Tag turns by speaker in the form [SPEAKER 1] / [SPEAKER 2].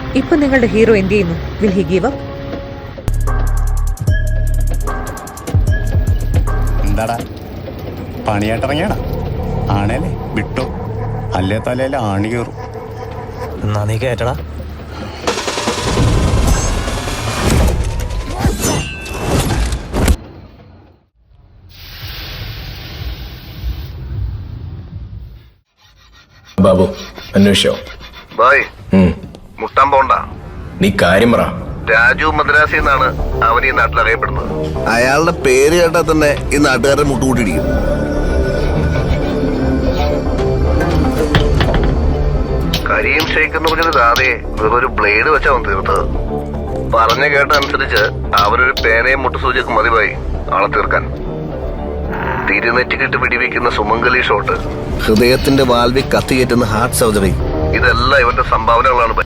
[SPEAKER 1] ഇപ്പൊ നിങ്ങളുടെ ഹീറോ എന്ത് ചെയ്യുന്നു? Will he give up?
[SPEAKER 2] എന്താടാ പണിയായിട്ടിറങ്ങിയാടാ? ആണേലേ വിട്ടോ, അല്ലേ തലയിൽ ആണി കയറും.
[SPEAKER 3] എന്നാ നീ കേട്ടടാ.
[SPEAKER 4] ബാബു അന്വേഷിച്ചോ?
[SPEAKER 5] ബായ് മുട്ടാൻ പോണ്ട.
[SPEAKER 4] നീ കാര്യം പറ.
[SPEAKER 5] രാജു മദ്രാസി എന്നാണ് അവൻ ഈ നാട്ടിൽ അറിയപ്പെടുന്നത്. അയാളുടെ പേര് കേട്ടാൽ തന്നെ ഈ നാട്ടുകാരെ മുട്ടുകൂട്ടിടിക്കും. കരീം ഷെയ്ഖ് എന്ന് പറഞ്ഞൊരു ദാതയെ ഒരു ബ്ലേഡ് വെച്ചാ അവൻ തീർത്തത്. പറഞ്ഞ കേട്ട അനുസരിച്ച് അവരൊരു പേനയും മുട്ടുസൂചിയൊക്കെ മതിയായി ആളെ തീർക്കാൻ. തിരുനെറ്റിക്കിട്ട് പിടിവെക്കുന്ന സുമംഗലി ഷോട്ട്, ഹൃദയത്തിന്റെ വാൽവി കത്തിയേറ്റുന്ന ഹാർട്ട് സർജറി, ഇതെല്ലാം ഇവന്റെ സംഭാവനകളാണ്.